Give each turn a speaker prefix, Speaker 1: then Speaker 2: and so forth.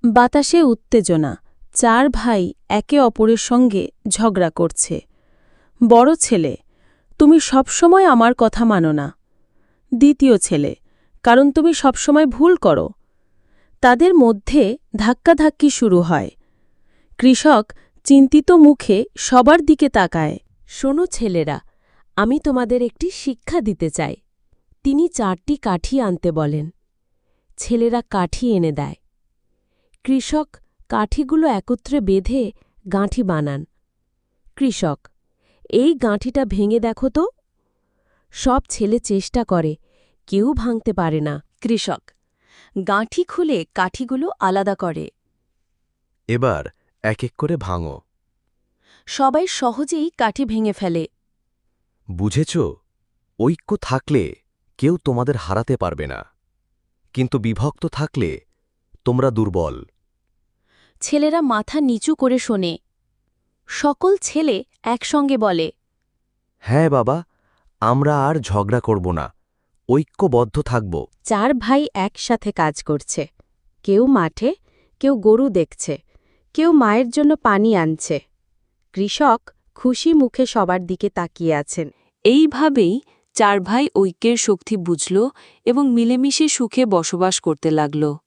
Speaker 1: বাতাসে উত্তেজনা। চার ভাই একে অপরের সঙ্গে ঝগড়া করছে। বড় ছেলে, তুমি সবসময় আমার কথা মানো না। দ্বিতীয় ছেলে, কারণ তুমি সবসময় ভুল করো। তাদের মধ্যে ধাক্কাধাক্কি শুরু হয়। কৃষক চিন্তিত মুখে সবার দিকে তাকায়। শোনো ছেলেরা, আমি তোমাদের একটি শিক্ষা দিতে চাই। তিনি 4টি কাঠি আনতে বলেন। ছেলেরা কাঠি এনে দেয়। কৃষক কাঠিগুলো একত্রে বেঁধে গাঁঠি বানান। কৃষক, এই গাঁঠিটা ভেঙে দেখো তো। সব ছেলে চেষ্টা করে, কেউ ভাঙতে পারে না। কৃষক গাঁঠি খুলে কাঠিগুলো আলাদা করে।
Speaker 2: এবার এক এক করে ভাঙো।
Speaker 1: সবাই সহজেই কাঠি ভেঙে ফেলে।
Speaker 2: বুঝেছ, ঐক্য থাকলে কেউ তোমাদের হারাতে পারবে না, কিন্তু বিভক্ত থাকলে তোমরা দুর্বল।
Speaker 1: ছেলেরা মাথা নিচু করে শোনে। সকল ছেলে একসঙ্গে বলে,
Speaker 2: হ্যাঁ বাবা, আমরা আর ঝগড়া করব না, ঐক্যবদ্ধ থাকব।
Speaker 1: 4 ভাই একসাথে কাজ করছে। কেউ মাঠে, কেউ গরু দেখছে, কেউ মায়ের জন্য পানি আনছে। কৃষক খুশি মুখে সবার দিকে তাকিয়ে আছেন। এইভাবেই 4 ভাই ঐক্যের শক্তি বুঝল এবং মিলেমিশে সুখে বসবাস করতে লাগল।